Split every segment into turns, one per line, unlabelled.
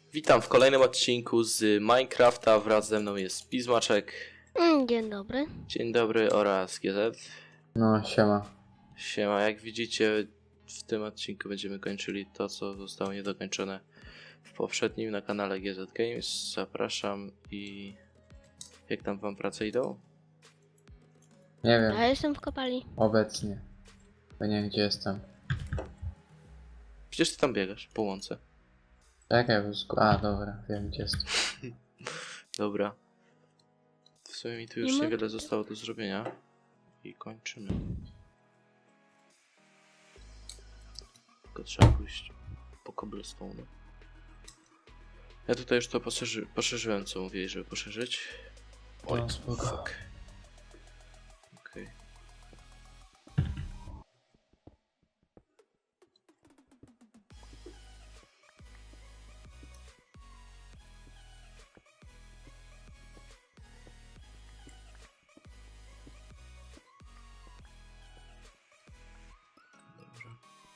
Witam w kolejnym odcinku z Minecrafta. Wraz ze mną jest Pizmaczek.
Dzień dobry.
Dzień dobry oraz GZ.
No, siema.
Siema, jak widzicie w tym odcinku będziemy kończyli to, co zostało niedokończone w poprzednim na kanale GZ Games. Zapraszam i jak tam wam prace idą?
Nie wiem,
Ja jestem w kopalni.
obecnie. Bo nie wiem, gdzie jestem.
Przecież ty tam biegasz po łące.
Czekaj, a, dobra, wiem, gdzie jestem.
Dobra. W sumie mi tu już
Nie ma-
niewiele zostało do zrobienia. I kończymy. Tylko trzeba pójść po cobblestone. Ja tutaj już to poszerzyłem, co mówili, żeby poszerzyć. Oj,
No, spoko.
fuck. Okej. Dobra.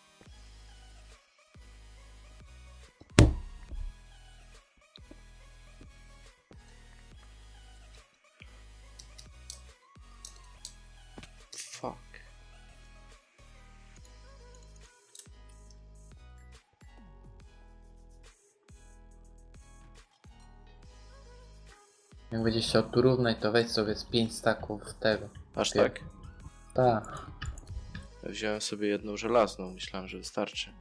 Fuck.
Jak będziesz chciał tu równać, to weź sobie z 5 staków tego.
Aż
Wiem.
tak?
Tak.
Ja wziąłem sobie jedną żelazną, myślałem, że wystarczy.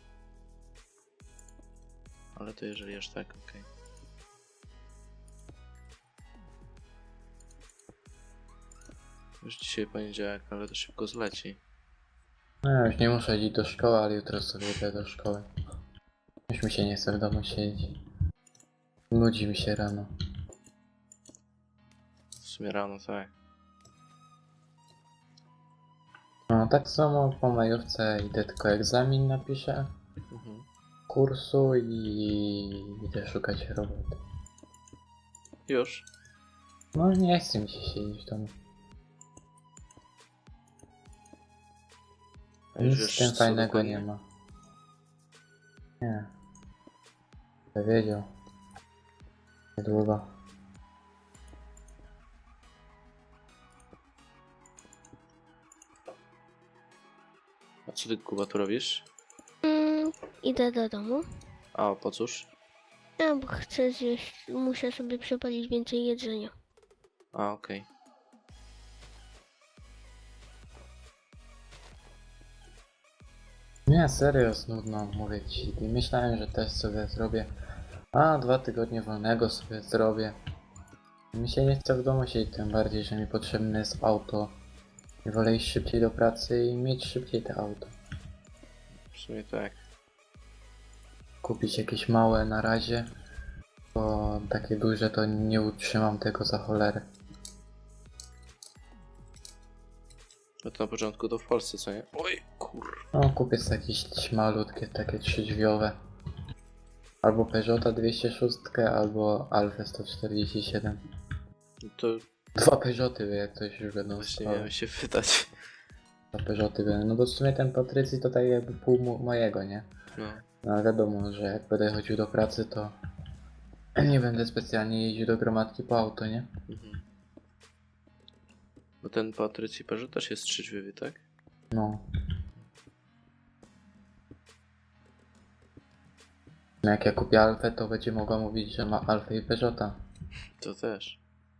Ale to jeżeli aż tak, okej. Już dzisiaj poniedziałek, ale to szybko zleci.
No, ja już nie muszę iść do szkoły, ale jutro sobie idę do szkoły. Już mi się nie chce w domu siedzieć. Nudzi mi się rano.
W sumie rano tak.
No, tak samo po majówce idę tylko egzamin napiszę.
Mhm.
Kursu i idę szukać roboty.
Już.
No, nie chce mi się siedzieć w domu.
A już
Nic
wiesz,
z tym
co
fajnego
dokładnie?
nie ma. Nie. Kto wiedział. Niedługo.
A co ty, Kuba, tu robisz?
Idę do domu.
A, po cóż?
Ja bo chcę zjeść, muszę sobie przepalić więcej jedzenia.
A, okej.
Nie, serio, nudno, mówię ci. Myślałem, że też sobie zrobię. A, 2 tygodnie wolnego sobie zrobię. Mi się nie chce w domu siedzieć, tym bardziej, że mi potrzebne jest auto. I wolę iść szybciej do pracy i mieć szybciej to auto.
W sumie tak.
Kupić jakieś małe na razie, bo takie duże to nie utrzymam tego za cholerę.
No to na początku to w Polsce, co nie? Oj, kur...
No, kupię sobie jakieś malutkie, takie 3-drzwiowe. Albo Peugeota 206, albo Alfa 147.
No to
2 Peugeoty, jak coś już będą
właśnie
stały.
miałem się pytać.
2 Peugeoty będą. No bo w sumie ten Patrycji to tak jakby pół mojego, nie?
No.
No ale wiadomo, że jak będę chodził do pracy, to nie będę specjalnie jeździł do gromadki po auto, nie?
Mhm. Bo ten Patrycji Perzu też jest trzydźwiowy, tak?
No. No jak ja kupię Alfę, to będzie mogła mówić, że ma Alfę i Peugeota.
To też.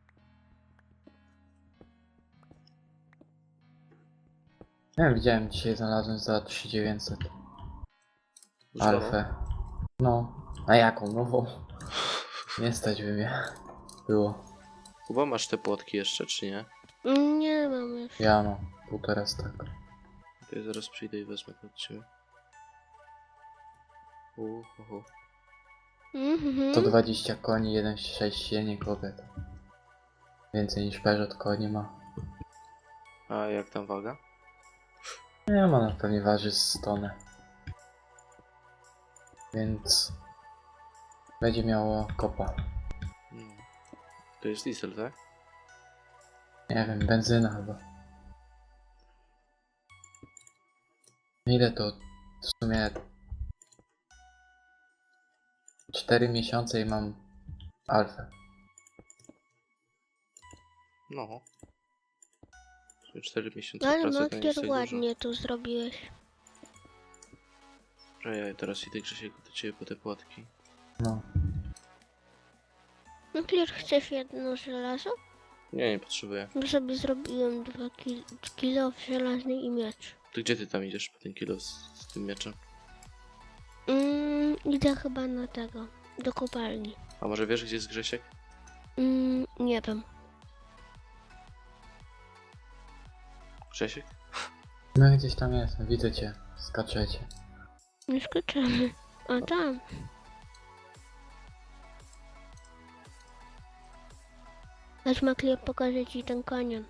Nie wiem, widziałem dzisiaj, znalazłem za 3900
Używaną?
Alfę. No. A jaką? Nową? Nie stać by mnie. Było.
Kuba, masz te płotki jeszcze, czy nie?
Nie mam już.
Ja mam 1,5 staka.
To ja zaraz przyjdę i wezmę to od ciebie. Ho.
Mhm.
120 koni, 1,6 silnik, kobieta. Więcej niż Peugeot koni ma.
A jak tam waga?
Nie ma, na pewnie waży z tonę. Więc będzie miało kopa.
No. To jest diesel, tak?
Nie wiem, benzyna chyba. Ile to w sumie 4 miesiące i mam alfę.
No. 4 miesiące
Ale
pracy to nie jest
Makier
tak dużo.
ładnie to zrobiłeś.
Dobra, ja teraz idę Grzesiek do ciebie po te płotki.
No.
Makier, chcesz jedno żelazo?
Nie potrzebuję.
Bo sobie zrobiłem 2 kilo żelazny i miecz.
To gdzie ty tam idziesz po ten kilo z tym mieczem?
Idę chyba na tego, do kopalni.
A może wiesz gdzie jest Grzesiek?
Nie wiem.
Grzesiek?
No gdzieś tam jestem, widzę cię. Skaczecie.
Nie skoczymy. A tam. Chodź Makier, pokażę ci ten kanion.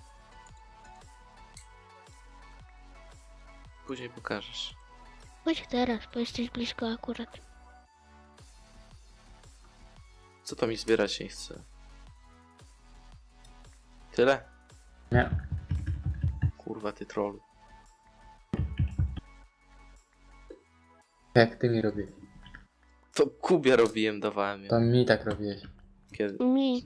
Później pokażesz.
Chodź teraz, bo jesteś blisko akurat.
Co to mi zbierać nie chce? Tyle?
Nie.
Kurwa ty trollu.
Jak ty mi robisz?
To Kubie robiłem, dawałem ją.
To mi tak robiłeś.
Kiedy?
Mi.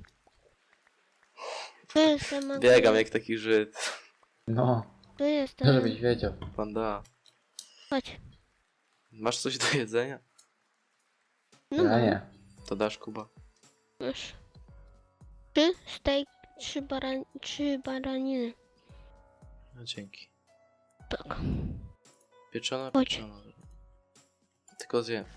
Tu jestem Makier.
Biegam jak taki Żyd.
No,
Tu jestem.
żebyś wiedział.
Panda.
Chodź.
Masz coś do jedzenia?
No
Ja
mam.
nie.
To dasz Kuba.
Masz. 3 steak, 3 baraniny.
No dzięki.
Tak.
Pieczona,
Chodź.
pieczona. Tylko zjem.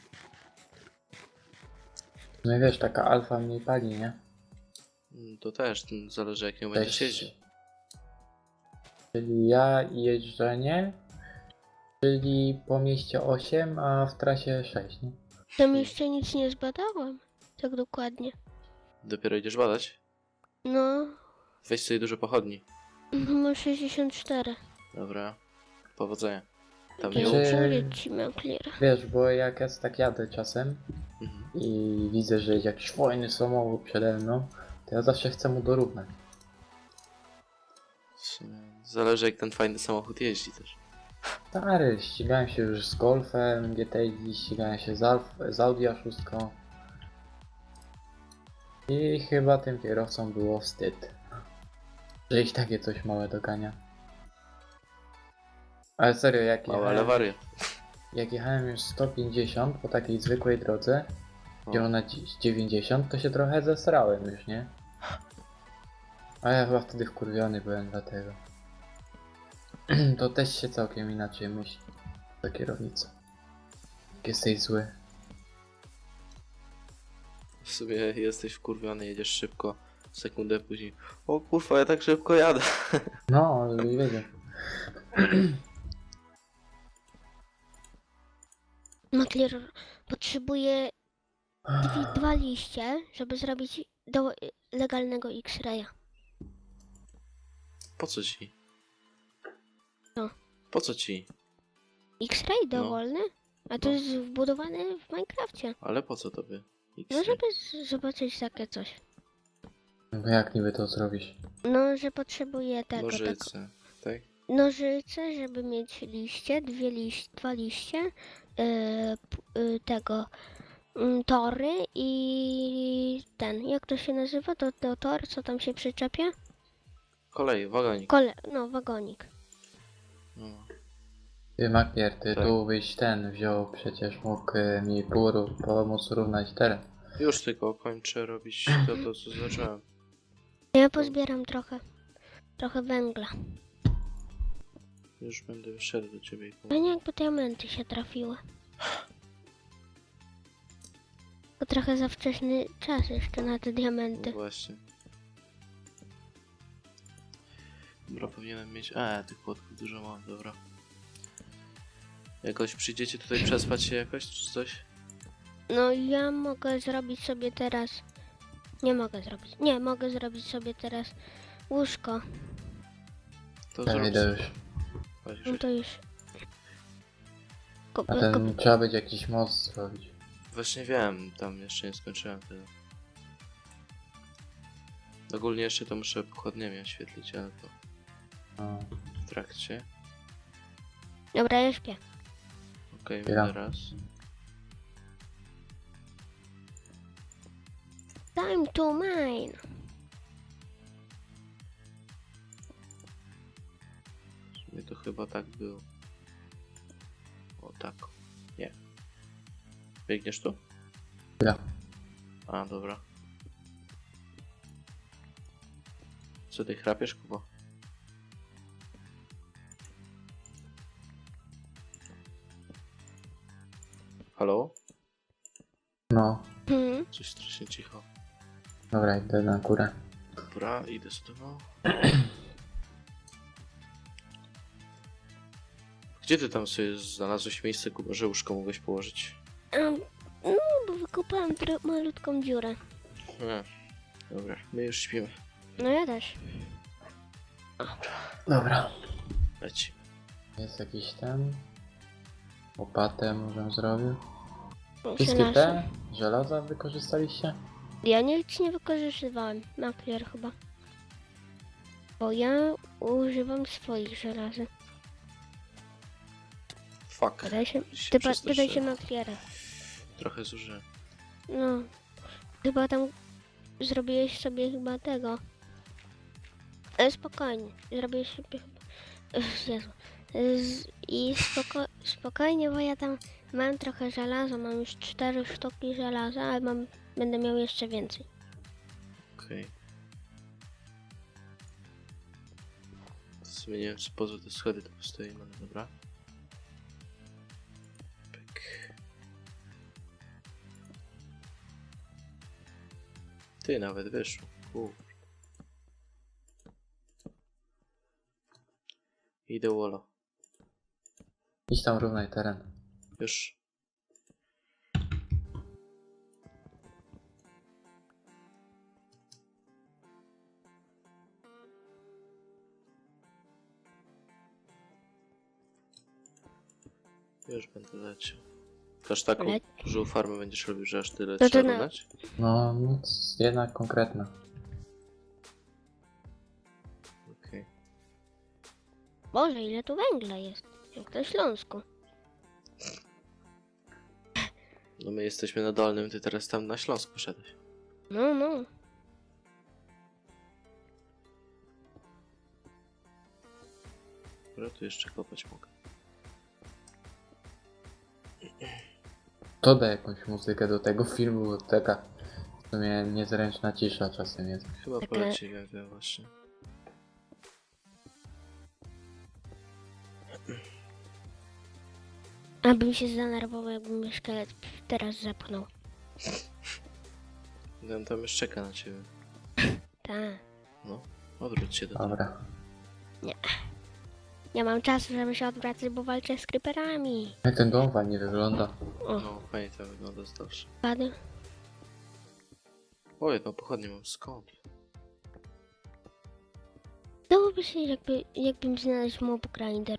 No i wiesz, taka alfa mniej pali, nie?
To też zależy jak nią będziesz
Cześć.
jeździł.
Czyli ja i jeżdżenie, czyli po mieście 8, a w trasie 6, nie?
Tam jeszcze nic nie zbadałam. Tak dokładnie.
Dopiero idziesz badać?
No,
Weź sobie dużo pochodni.
mam 64.
Dobra. Powodzenia. Tam
To
nie
Czy-
umrze.
dziękuję ci, Makier.
Wiesz, bo jak ja tak jadę czasem
Mhm.
i widzę, że jakiś fajny samochód przede mną, to ja zawsze chcę mu dorównać.
W sumie zależy jak ten fajny samochód jeździ też.
Stary, ścigałem się już z Golfem GTI, ścigałem się z Audi A6. I chyba tym kierowcom było wstyd, że ich takie coś małe dogania. Ale serio,
Mały, ale wariat.
jak jechałem już 150 po takiej zwykłej drodze, gdzie ona 90, to się trochę zesrałem już, nie? A ja chyba wtedy wkurwiony byłem dlatego. To też się całkiem inaczej myśli do kierownicy. Jak jesteś zły.
W sumie jesteś wkurwiony, jedziesz szybko. Sekundę później. O kurwa, ja tak szybko jadę.
No, żebyś wiedział.
Makier potrzebuje 2 liście, żeby zrobić do legalnego X-raya.
Po co ci?
Co?
Po co ci?
X-ray
No.
dowolny? A to
No.
jest wbudowane w Minecrafcie.
Ale po co tobie?
No żeby zobaczyć takie coś.
No jak niby to zrobisz?
No, że potrzebuje tego, tak.
Nożyce, tak?
Nożyce, żeby mieć liście, 2 liście, tego tory i ten, jak to się nazywa, to tor, co tam się przyczepia?
Kolej, wagonik.
No, wagonik.
No.
Ty Makier, ty
Tak.
tu byś ten wziął, przecież mógł mi pomóc równać teren.
Już tylko kończę robić to co zacząłem.
Ja pozbieram trochę węgla.
Już będę szedł do ciebie.
Fajnie jakby diamenty się trafiły. To trochę za wczesny czas jeszcze na te
No
diamenty.
właśnie. Dobra, powinienem mieć... tych płotków dużo mam, dobra. Jakoś przyjdziecie tutaj przespać się jakoś, czy coś?
No ja mogę zrobić sobie teraz... Nie, mogę zrobić sobie teraz łóżko.
To
Ja
zrób
idę
sobie.
już.
Chodź,
No
Grzesiek.
to już.
A ten trzeba będzie jakiś most zrobić.
Właśnie wiem, tam jeszcze nie skończyłem tego. Ogólnie jeszcze to muszę pochodniami oświetlić, ale to
No.
w trakcie.
Dobra, ja śpię.
Okej,
Ja.
będę raz.
Time to mine.
W sumie to chyba tak było. O tak. Nie. Biegniesz tu?
Ja.
A, dobra. Co ty chrapiesz, Kuba? Halo?
No,
Coś strasznie cicho.
dobra, idę na górę.
Dobra, idę z tobą. Gdzie ty tam sobie znalazłeś miejsce, Kuba, że łóżko mogłeś położyć?
No, bo wykopałem malutką dziurę.
A, dobra, my już śpimy.
No ja też.
Dobra.
Leci.
Jest jakiś ten... Łopatę może zrobił.
Muszę
Wszystkie
nasze-
te żelaza wykorzystaliście?
Ja nic nie wykorzystywałem. Makler chyba. Bo ja używam swoich żelazy.
Fuck.
Pytaj się,
Się
pytaj się
przestraszyłem.
Maklera.
Trochę zużyłem.
No. Chyba tam zrobiłeś sobie chyba tego. Spokojnie. Zrobiłeś sobie chyba... Jezu. I spokojnie, bo ja tam mam trochę żelaza. Mam już 4 sztuki żelaza, ale będę miał jeszcze więcej.
Okej. W sumie nie wiem, czy poza te schody to postoimy, ale dobra. Pyk. Ty, nawet wyszło. Idę Wolo.
Idź tam równaj teren.
Już. Już będę leciał. Aż taką
Le-
dużą farmę będziesz robił, że aż tyle
No to
trzeba
na-
równać?
No, nic jednak konkretna.
Okej.
Boże, ile tu węgla jest. Jak na Śląsku.
No my jesteśmy na Dolnym, ty teraz tam na Śląsk poszedłeś.
No, no.
Dobra, tu jeszcze kopać mogę.
Dodaj jakąś muzykę do tego filmu, bo taka w sumie niezręczna cisza czasem jest.
Chyba
Taka-
poleci wiem właśnie.
Abym się zdenerwował, jakbym mnie szkielet teraz zepchnął.
On tam już czeka na ciebie.
Tak.
No, odwróć się do tego.
Dobra.
Nie mam czasu, żeby się odwracać, bo walczę z creeperami.
Jak ten dom fajnie wygląda.
O,
No, fajnie to wygląda z dalsza.
padł.
O, jedną pochodnię mam, skąd?
Dałoby się, jakbym znalazł mob grinder.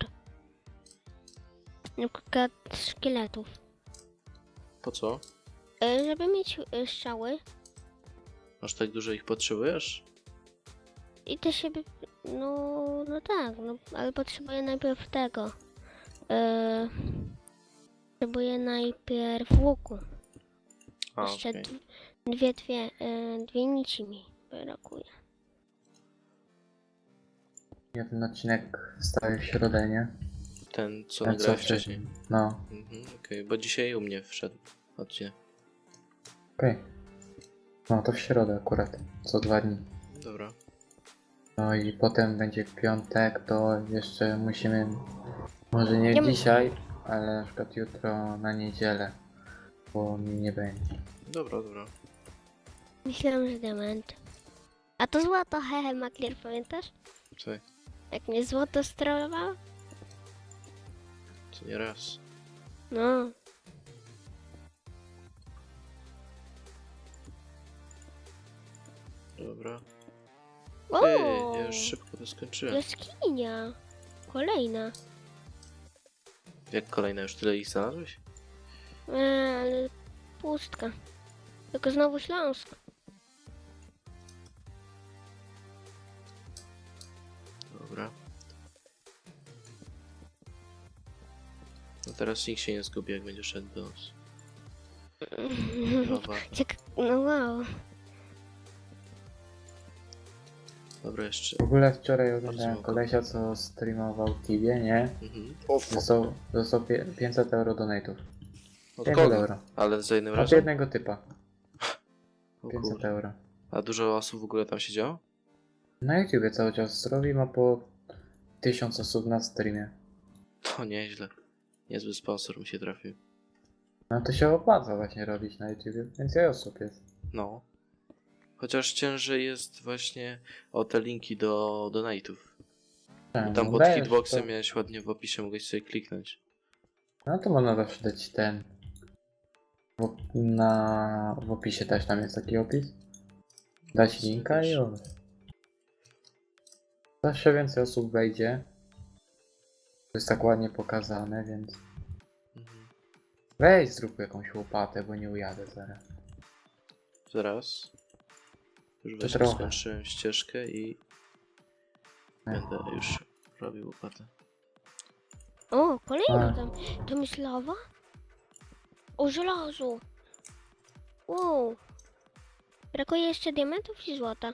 Na przykład szkieletów.
Po co?
Żeby mieć strzały
Aż tak dużo ich potrzebujesz?
i też się... No tak, no, ale potrzebuję najpierw tego. Potrzebuję najpierw łuku.
A,
Jeszcze
okej.
dwie nici mi brakuje.
Ja ten odcinek wstawię w środę, nie?
Ten, co
Ten,
nagrałem
co
wcześniej.
No,
Okej, bo dzisiaj u mnie wszedł odcinek.
okej. No to w środę akurat, co 2 dni.
Dobra.
No i potem będzie piątek, to jeszcze musimy, może nie
Ja my-
dzisiaj, ale na przykład jutro na niedzielę, bo mi nie będzie.
Dobra, dobra.
Myślałam, że diament. A to złoto, hehe, Maklier, pamiętasz?
Co?
Jak mnie złoto strollowało?
Co nie raz.
No.
Dobra.
O!
Ja już szybko to skończyłem.
Jaskinia. Kolejna.
Jak kolejna, już tyle ich znalazłeś?
Ale pustka. Tylko znowu Śląsk.
Dobra. No teraz nikt się nie zgubi, jak będzie szedł do nas. Chyba warto.
No wow.
Dobra, jeszcze.
W ogóle wczoraj oglądałem
Bardzo
kolesia, co streamował Tibie, nie?
Mhm.
Dostał 500 euro donate'ów.
Od
500
kogo?
euro.
Ale za jednym
Od
razem?
jednego typa.
O
500
kurde.
euro.
A dużo osób w ogóle tam siedziało?
Na YouTubie cały czas robi, ma po 1000 osób na streamie.
To nieźle. Niezły sponsor mi się trafił.
No to się opłaca właśnie robić na YouTubie, więcej osób jest.
No. Chociaż ciężej jest właśnie o te linki do donate'ów.
Czemu?
Tam pod
Dajesz
hitboxem
to-
miałeś ładnie w opisie, mogłeś sobie kliknąć.
No to można zawsze dać ten. W opisie też tam jest taki opis. Dać linka i już. Zawsze więcej osób wejdzie. To jest tak ładnie pokazane, więc...
Mhm.
Weź zrób jakąś łopatę, bo nie ujadę zaraz.
Zaraz. Już
To
właśnie
trochę.
skończyłem ścieżkę i będę już robił łopatę.
O, kolejna
A.
tam. Tam jest lawa? O, żelazo. Wow. Brakuje jeszcze diamentów i złota.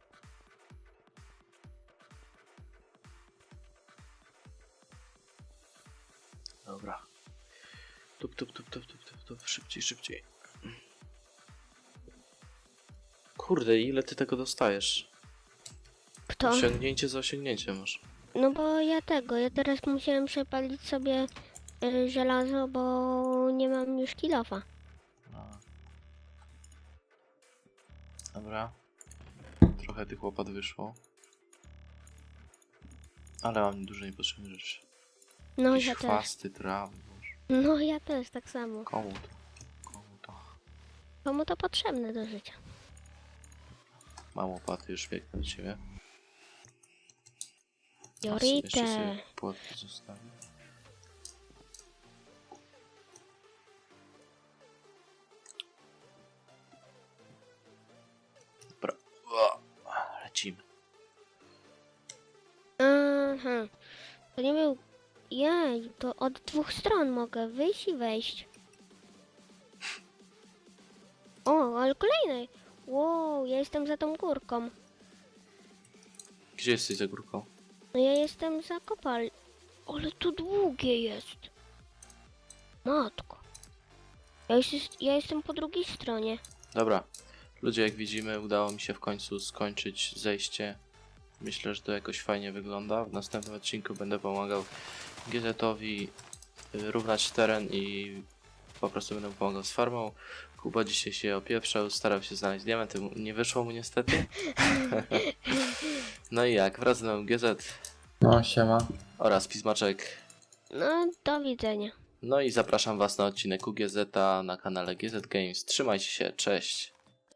Dobra. Tup, tup, tup, tup, tup, tup, tup. Szybciej, szybciej. Kurde, ile ty tego dostajesz?
Kto?
Osiągnięcie za osiągnięcie masz.
No bo ja teraz musiałem przepalić sobie żelazo, bo nie mam już kilofa.
A. Dobra. Trochę tych łopat wyszło. Ale mam dużo niepotrzebnych rzeczy.
No
Jakieś
ja też.
chwasty, trawy, boże.
No ja też tak samo.
Komu to? Komu to?
Komu to potrzebne do życia?
Mam łopaty, już biegnę do ciebie. Jeszcze sobie
Jorite.
płotki zostawię. Dobra. O, lecimy.
Aha. To nie był... Jej, to od dwóch stron mogę wyjść i wejść. O, ale kolejny. Wow, ja jestem za tą górką.
Gdzie jesteś za górką?
No ja jestem za kopal. Ale to długie jest. Matko. Ja jestem po drugiej stronie.
Dobra. Ludzie, jak widzimy, udało mi się w końcu skończyć zejście. Myślę, że to jakoś fajnie wygląda. W następnym odcinku będę pomagał GZ-owi równać teren i po prostu będę mu pomagał z farmą. Kuba dzisiaj się opieprzał, starał się znaleźć diamenty, nie wyszło mu niestety. No i jak, wraz z nami GZ
No siema.
oraz Pismaczek.
No, do widzenia.
No i zapraszam was na odcinek UGZ na kanale GZ Games. Trzymajcie się, cześć!